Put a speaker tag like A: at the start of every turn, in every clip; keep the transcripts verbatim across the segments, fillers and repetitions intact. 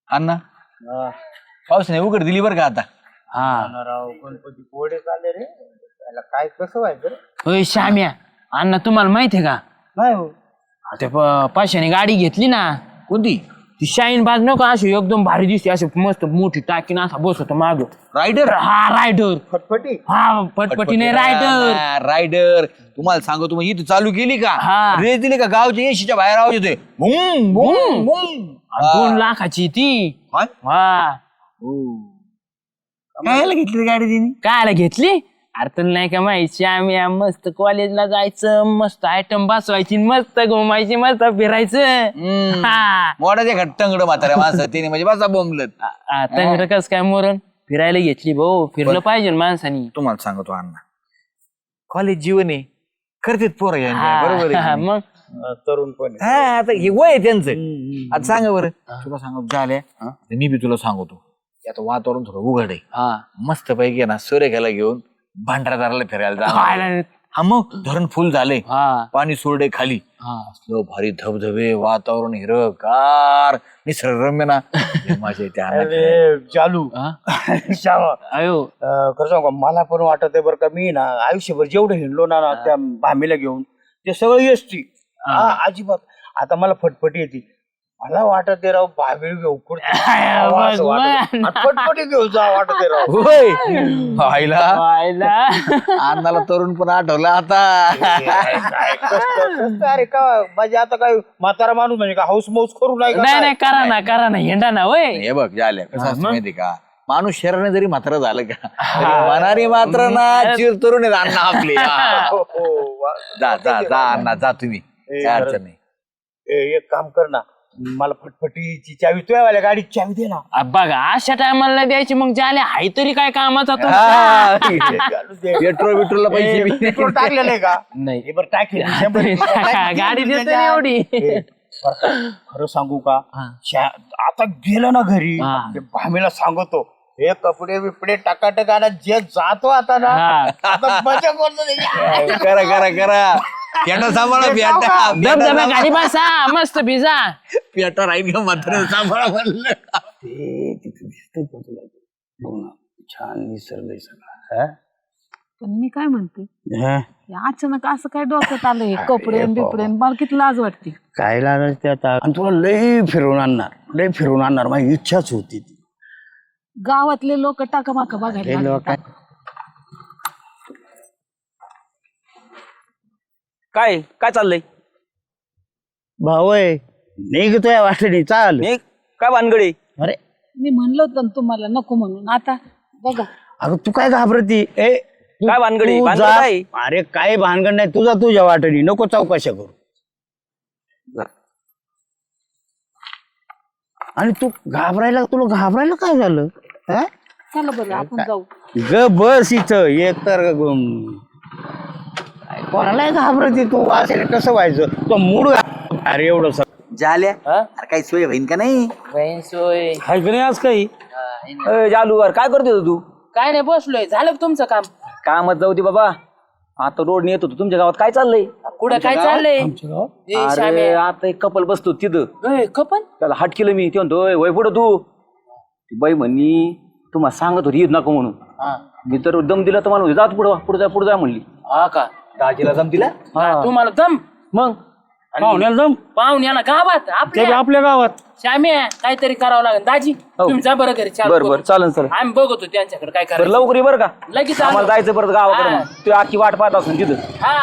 A: अण्णा पावसाने उघड दिली बरं का आता.
B: हा
C: राव गणपती पोडे चालले रे त्याला काय कसं व्हायचं रे?
B: होय श्याम्या अण्णा तुम्हाला माहितीये का
C: नाही हो
B: ते पाचशेने गाडी घेतली ना.
A: कोणती?
B: ती शाईन बाज नको अशी एकदम भारी दिसते अशी मस्त मोठी टाकीन असा बसतो माग.
A: रायडर.
B: हा रायडर.
C: फटफटी
B: हा पटपटी नाही रायडर.
A: रायडर तुम्हाला सांगतो तुम्ही इथे चालू केली का
B: हा.
A: रेस दिली का गावच्या एशीच्या बाहेर आवाज येतोय बुम बुम बुम.
B: दोन लाखाची ती.
A: काय?
B: हा
A: कायला घेतली गाडी तिने?
B: कायला घेतली अरे तुला नाही का माहिती आम्ही मस्त कॉलेजला जायचं मस्त आयटम बसवायची मस्त घुमायची मस्त फिरायचं. हा
A: मोठाच्या घट्टंगड म्हाताऱ्या माणसं तिने म्हणजे बसा बोंबलत.
B: तंगड कस काय मोरण फिरायला घेतली भाऊ फिरलं पाहिजे ना माणसानी.
A: तुम्हाला सांगतो अण्णा कॉलेज जीवन आहे करतेत पोरं यांच्या,
B: हा,
A: बरोबर आहे
B: हा,
A: की नाही?
B: मग
C: तरुण पण
A: हा आता हे वय आहे त्यांचं. आता सांगा बरं तुला सांगतो झाल्या मी बी तुला सांगतो आता वातावरण थोडं उघड आहे.
B: हा
A: मस्त पैकी ना सूर्यखाला घेऊन भांडारदाराला फिरायला जा.
B: खायला-
A: हा मग धरण फुल झाले
B: हा
A: पाणी सोडे खाली
B: हा
A: असलं भारी धबधबे वातावरण हिरवगार निसर्गरम्य ना माझ्या त्या
C: अरे चालू
B: हा?
C: श्यामा
B: अयो
C: अं, खरं सांगू का मला पण वाटत आहे बरं का मी ना आयुष्यभर जेवढं हिंडलो ना ना त्या भामीला घेऊन ते सगळं एसटी हा अजिबात आता मला फटफटी येते मला वाटत आहे राव भाभी घेऊ फटफटी घेऊ जा वाटत आहे राव
A: होय आईला
B: पाहिला
A: अन्नाला तरुण पण आठवला आता.
C: काय कष्ट- कष्ट अरे का म्हणजे आता काय म्हातारा माणूस म्हणजे का हाऊस माऊस करू नाही का
B: नाही
C: काय?
B: नाही करा ना करा ना हिंडा ना वय.
A: हे बघ झाल्या कसं असतं माहिती का माणूस शरीराने जरी मात्र झालं का तरी मनाने मात्र ना चिर तरुण आहेत अण्णा आपले. हा.
C: हो, हो, वा.
A: जा जा जा अण्णा जा तुम्ही काय अडचण नाही.
C: ए, एक काम कर ना मला फटफटीची चावी तुझ्या गाडीची चावी दे ना
B: आ, बघा अशा टायमाला नाही द्यायची मग झाले हाय तरी काय कामाचा तो.
A: हा.
C: चालू दे.
A: पेट्रोल बिट्रोलला पैसे बी
C: पेट्रोल टाकलेलं आहे का
B: नाही
C: हे बरं टाकेल शंभर
B: तरी टाका, गाडी देते ना एवढी.
C: ए, बरं का, खरं सांगू का शा- आता गेलं ना घरी
B: हा.
C: ते भामीला सांगतो हे कपडे बिपडे टाकाटक आणा जे जातो आता ना
B: हा.
C: आता मजा करतो त्याची.
A: करा करा करा पेटा सांभाळा पेटा
B: धबधबा गाडी बसा मस्त भिजा.
A: पेटा राहील का मात्र सांभाळा म्हणलं.
C: ते तिथे दिसतंय का तुला ते? बघ ना, छान निसर्ग आहे सगळा हा?
D: पण मी काय म्हणते
C: हा?
D: हे अचानक असं काय डोक्यात आलं हे कपडे बिपडे मला किती लाज वाटते.
C: काय लागायचं ते आता आणि तुला लय फिरवून आणणार लय फिरवून आणणार माझी इच्छाच होती ती
D: गावातले लोक टाकामाका बघायला
C: हे
D: लागले.
C: लोक
E: काय काय चाललंय
C: भाऊ आहे निघतोय वाटणी चाल
E: मी काय भानगडी
C: अरे
D: मी म्हणलं होतं ना तुम्हाला नको म्हणून आता बघा.
C: अगं तू काय घाबरती ए तू-
E: काय भानगडी?
C: तू
E: भानगड
C: जा.
E: काय?
C: अरे काय भानगड नाही तुझा तुझ्या वाटणी नको चौकशा करू आणि तू घाबरायला तुला घाबरायला काय झालं हा?
D: चला बरं आपण जाऊ.
C: ग बस इथं एक तर ग- काय कोणाला घाबरती तू असेल कसं व्हायचं तो मूड अरे एवढं सगळं
A: झाल्या अरे काही सोय होईन का नाही?
B: बहीण सोय
C: हाय का नाही आज काही
E: अय, जालूवर काय करते हो तू
B: काय नाही बसलोय झालं का तुमचं काम.
E: कामात जाऊ दे बाबा आता रोड येत होतो तुमच्या गावात काय चाललंय
B: कुठं काय चाललंय ए,
E: अरे
B: श्याम्या.
E: आता एक कपल बसतो तिथं
B: ए, कपन
E: त्याला हट केलं मी ते म्हणतो "ओय, वय पुढं तू ती बाई म्हणली तुम्हाला सांगत होती येत नको म्हणून
B: हा
E: मी तर दम दिला तर मला म्हणली, जा तू पुढं पुढे जा पुढे जा म्हणली
B: हा का
A: दाजीला जमतीला
E: हा.
B: तुम्हाला दम
E: मग
B: पाहुण्याला दम पाहुण्याला गावात आपल्या
C: आपल्या गावात
B: श्याम्या काहीतरी करावं लागेल दाजी तुम्ही जा बरं घरी चालू
E: बर
B: करू.
E: बर चालन सर
B: आम्ही बघतो त्यांच्याकडे काय
E: बरं
B: करायचं
E: लवकर ये बरं का
B: लगेच
E: आम्हाला
B: आलो.
E: जायचं परत गावाकडे
B: हा.
E: मग. तू आखी वाट पाहत असून तिथं
B: हा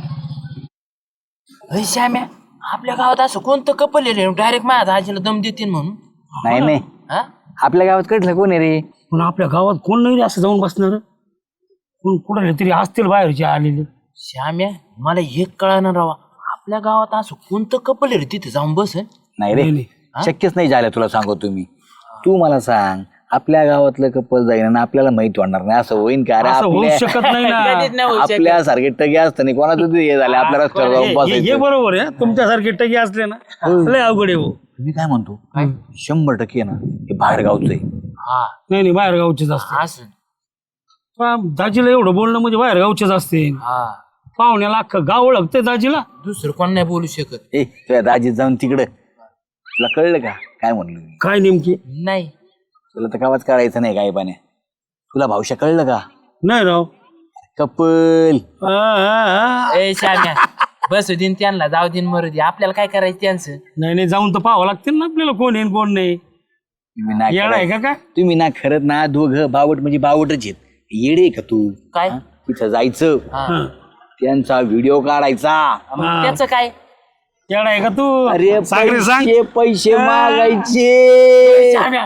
B: अय, श्याम्या आपल्या गावात असं कोणतं कपल आहे रे डायरेक्ट माझ्या दाजीला दम देतील म्हणून.
A: नाही नाही
B: हा
A: आपल्या गावात कडलं कोण आहे रे?
F: पण आपल्या गावात कोण नाही रे असं जाऊन बसणार कोण कुठे तरी असतील बाहेरचे आलेले
B: श्याम्या मला एक कळणार राव आपल्या गावात असं कोणतं कपल आहे रे तिथे जाऊन बस
A: नाही रे शक्यच नाही झालं तुला सांगतो तुम्ही तू मला सांग आपल्या गावातलं कपल जाईन आणि आपल्याला माहित होणार नाही असं होईन का? अरे
F: असं होऊ
A: आपल्या
F: शकत नाही ना
A: आपल्या सारखे टगे असतं नाही कोणाचं हे झालं आपल्या रस्त्यावर जाऊन
F: हे- हे
A: बसायचं.
F: बरोबर आहे तुमच्यासारखे टगी असले ना लय अवघड आहे हो.
A: मी काय म्हणतो शंभर टक्के ना हे बाहेर गावचं आहे.
B: हा
F: नाही नाही बाहेर गावचेच असते
B: असं
F: पण दाजीला एवढं बोलणं म्हणजे बाहेर गावचेच असते
B: हा
F: पाहुण्याला अख्खं गाव ओळखते दाजीला
B: दुसरं कोण नाही बोलू शकत.
A: ए तुझ्या दाजीत जाऊन तिकडं तुला कळलं का काय म्हणलो मी
F: काय नेमकी
B: नाही
A: तुला तर कावाच काढायचं नाही काय पाण्या तुला भावशा कळलं का
F: नाही राव
A: कपल
F: आ, आ, आ.
B: ए शाम्या बसू दिन त्यांना जाऊ दिन मरू दे आपल्याला काय करायचं त्यांचं
F: नाही नाही जाऊन तर पाहावं लागतील ना आपल्याला कोण आहे न कोण नाही
A: तुम्ही ना
F: येणार आहे
A: खरं-
F: का काय
A: तुम्ही ना खरंच ना दोघं बावट म्हणजे बावटच आहेत येडे का तू
B: काय
A: हा? तिथं जायचं
F: हा.
A: त्यांचा व्हिडिओ काढायचा
F: हा.
B: त्याचं काय
F: येणार आहे का तू
A: अरे
F: सांग रे सांग
A: पैसे पैसे मागायचे
B: शाम्या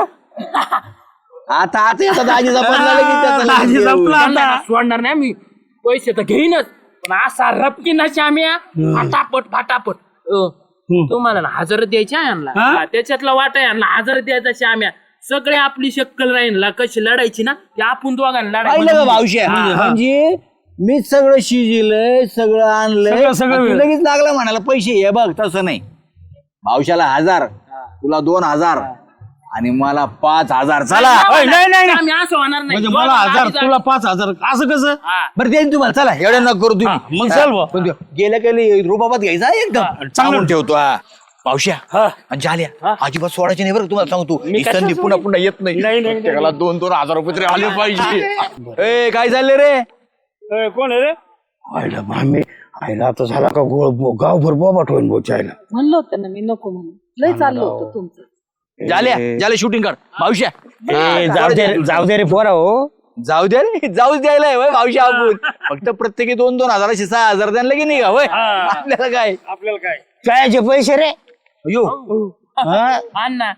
A: आता आता येतात आजीचा पण झालं की त्याचं लगेच
F: आजी
A: देऊ.
F: संपला
B: त्यांना
F: आता
B: ना सोडणार नाही मी पैसे तर घेईनच पण असा रपकी ना शाम्या फाटापट फाटापट अ, तुम्हाला ना हजार द्यायचे आहे यांना
F: हा?
B: हा, त्याच्यातला वाटा आहे यांना हजार द्यायचा शाम्या सगळे आपली शक्कल राहील कशी लढायची ना ते आपण दोघांना
A: पाहिलं का
B: लढायची
A: भावशे म्हणजे मीच सगळं शिजिलंय सगळं आणलंय
F: सगळं- सगळं
A: आणि तू
F: मिळेल.
A: लगेच लागला म्हणाला पैसे हे बघ तसं नाही भावशाला हजार तुला दोन हजार आणि मला पाच हजार चला
F: अय, नाही नाही नाही.
B: आम्ही असं होणार नाही
F: म्हणजे मला हजार तुला पाच हजार असं कसं
A: बरं देईन तुम्हाला चला एवढ्या न करू
F: हा,
A: तुम्ही
F: मग चल बुवा.
A: पण ते गेल्या गेले रुबाबात घ्यायचा एकदम चांगलं ठेवतो हा पावश्या आणि झाल्या अजिबात सोडायचे नाही बरं तुम्हाला सांगतो ही संधी पुन्हा पुन्हा येत नाही त्याला दोन दोन हजार रुपये तरी आले पाहिजे ए काय झाले रे
F: अय, कोण आहे रे
C: आईला मामी आईला आता झाला का गोळ गावभर बोबाट होईन बोचायला
D: म्हणलं होतं ना मी नको म्हणून लय चाललं होतं तुमचं
A: झाल्या झाल्या शूटिंग कर भावश्या
F: ए, जाऊ दे जाऊ दे रे पोरा हो
A: जाऊ द्या रे जाऊच द्यायला होय भावश्या आपण फक्त प्रत्येकी दोन दोन हजाराशे सहा हजार द्यायला की नाही का होय आपल्याला काय
F: आपल्याला काय
C: कायचे पैसे रे
A: यो
B: अण्णा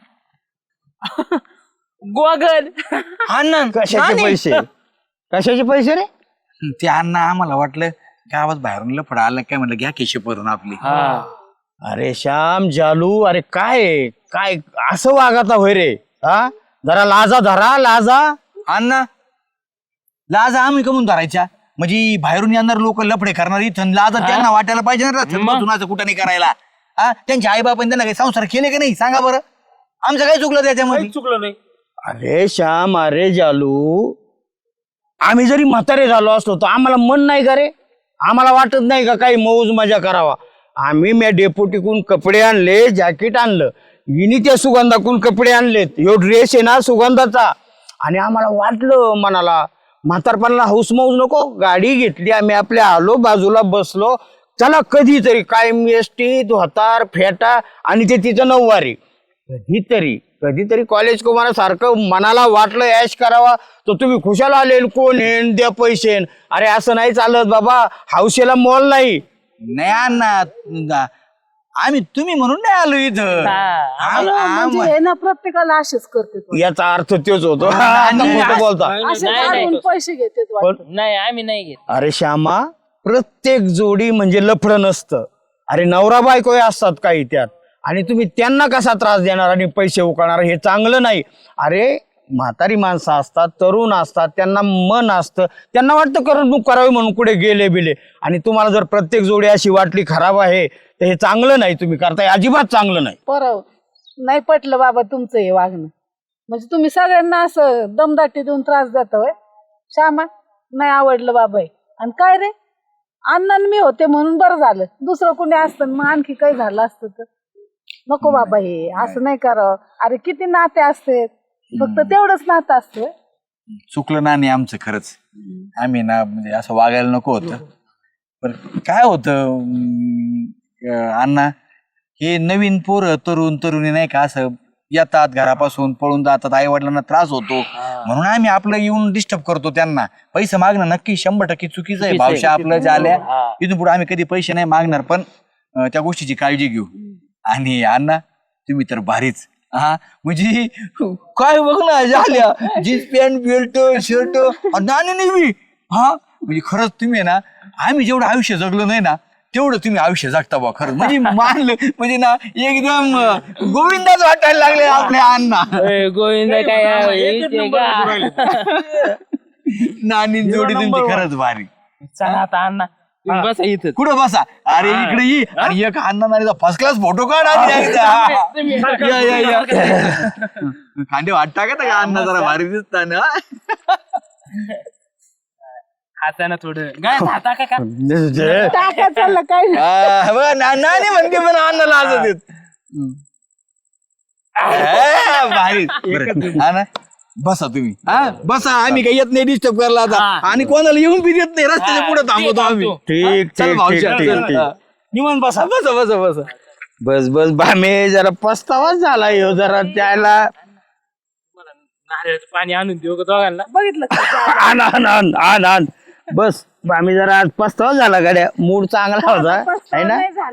B: गोगल
A: अण्णा
C: कशाचे पैसे कशाचे पैसे रे
A: ते अण्णा आम्हाला वाटलं गावात बाहेरून लफडा आला काय म्हणलं घ्या केशे भरून आपली
C: अरे श्याम जालू अरे काय काय असं वागता होय रे हा जरा लाजा धरा लाजा
A: अण्णा लाज आम्ही कमून धरायच्या म्हणजे बाहेरून येणार लोक लफडे करणार इथं लाज त्यांना वाटायला पाहिजे ना रस्त्यात कुठं नाही करायला हा त्यांचे आई बापाने त्यांना काही संसार केले का नाही सांगा बरं आमचं काय चुकलं त्याच्यामध्ये
F: चुकलं नाही
C: अरे श्याम अरे जालू आम्ही जरी म्हातारे झालो असतो तर आम्हाला मन नाही का रे आम्हाला वाटत नाही का काही मौज मजा करावा आम्ही मी डेपोटीकून कपडे आणले जॅकेट आणलं विनी त्या सुगंधाकून कपडे आणलेत ह्यो ड्रेस आहे ना सुगंधाचा आणि आम्हाला वाटलं मनाला म्हातारपणाला हौस मौज नको गाडी घेतली आम्ही आपल्या आलो बाजूला बसलो चला कधीतरी कायम एसटी धोतार फेटा आणि ते तिचं नऊवारी कधीतरी कधीतरी कॉलेज कुमारा सारखं मनाला वाटलं ऐश करावा तर तुम्ही खुशाल आले कोण येण द्या पैसे अरे असं नाही चालत बाबा हौसेला मोल नाही
A: नाही अण्णा आम्ही तुम्ही म्हणून नाही आलो इथं आम- आम-
D: म्हणजे हे ना प्रत्येकाला असेच करते तो.
C: याचा अर्थ तेच होतो आता खोटं बोलता
D: असेच
B: नाही, नाही.
D: आणून पैसे घेते तो.
C: पण
B: नाही आम्ही नाही घेत
C: अरे श्यामा प्रत्येक जोडी म्हणजे लफडं नसतं अरे नवरा बायको हे असतात काही त्यात आणि तुम्ही त्यांना कसा त्रास देणार आणि पैसे उकळणार हे चांगलं नाही अरे म्हातारी माणसं असतात तरुण असतात त्यांना मन असतं त्यांना वाटतं करमणूक करावी म्हणून कुठे गेले बिले आणि तुम्हाला जर प्रत्येक जोडी अशी वाटली खराब आहे तर हे चांगलं नाही तुम्ही करताय अजिबात चांगलं नाही
D: परव नाही पटलं बाबा तुमचं हे वागणं म्हणजे तुम्ही सगळ्यांना असं दमदाटी देऊन त्रास देता होय श्यामा नाही आवडलं बाबा हे. आणि काय रे अण्णा आणि मी होते म्हणून बरं झालं दुसरं कोणी असतं मग आणखी काही झालं असतं तर नको बाबा हे असं नाही करावं अरे किती नाते असते फक्त तेवढंच नातं असतं
A: चुकलं ना नाही आमचं खरंच आम्ही ना म्हणजे असं वागायला नको होतं पण काय होतं अं, अण्णा हे नवीन पोरं तरुण तरुणी नाही का असं येतात घरापासून पळून जातात आई वडिलांना त्रास होतो म्हणून आम्ही आपलं येऊन डिस्टर्ब करतो त्यांना पैसे मागणं नक्की शंभर टक्के चुकीचं आहे भावशा आपलं झाल्या इथून पुढे आम्ही कधी पैसे नाही मागणार पण अं, त्या गोष्टीची काळजी घेऊ आणि अण्णा तुम्ही तर भारीच हा म्हणजे काय बघ ना झाल्या जीन्स पॅन्ट बेल्ट शर्ट आणि नेहमी हा म्हणजे खरंच तुम्ही आहे ना आम्ही जेवढं आयुष्य जगलो नाही ना तेवढं तुम्ही आयुष्य जगता बा खरं म्हणजे मानलं म्हणजे ना एकदम अं, गोविंदाच वाटायला लागले आपल्या अण्णा
B: ए, गोविंद काय आहे, ते का?
A: नानी जोडी तुमची खरंच भारी
B: चला आता अण्णा तुम्ही बसा इथं
A: कुठं बसा अरे इकडे ये आणि एक अण्णा नानीचा फर्स्ट क्लास फोटो काढ आधी एकदा. या, या, या. खांदे वाट टाकत का अण्णा जरा भारी दिसताना
B: हाताना थोडं गाय हाता का का
D: टाका चाललं काय
A: हा, बघा, ना- नानी म्हणते पण अण्णाला असं देत ए, भारी. बरं, हा ना बसा तुम्ही हा बसा आम्ही काही येत नाही डिस्टर्ब करायला आता
B: हा.
A: आणि कोणाला येऊन बी देत नाही रस्त्याच्या पुढे थांबवतो आम्ही
C: ठीक
A: चल
C: ठीक
A: भाऊजी,
C: ठीक
A: चल,
C: ठीक
A: हा.
F: निवांत बसा
A: बसा बसा बसा
C: बस बस भामे जरा पस्तावाच झाला ह्यो जरा त्याला
B: नारळाचं पाणी आणून देऊ का दोघांना
D: बघितलं का?
C: आण आण आण आण आण बस भामे जरा आज पस्तावा झाला गाड्या मूड चांगला होता है
D: पस्तावा
C: ना
D: नाही झाला.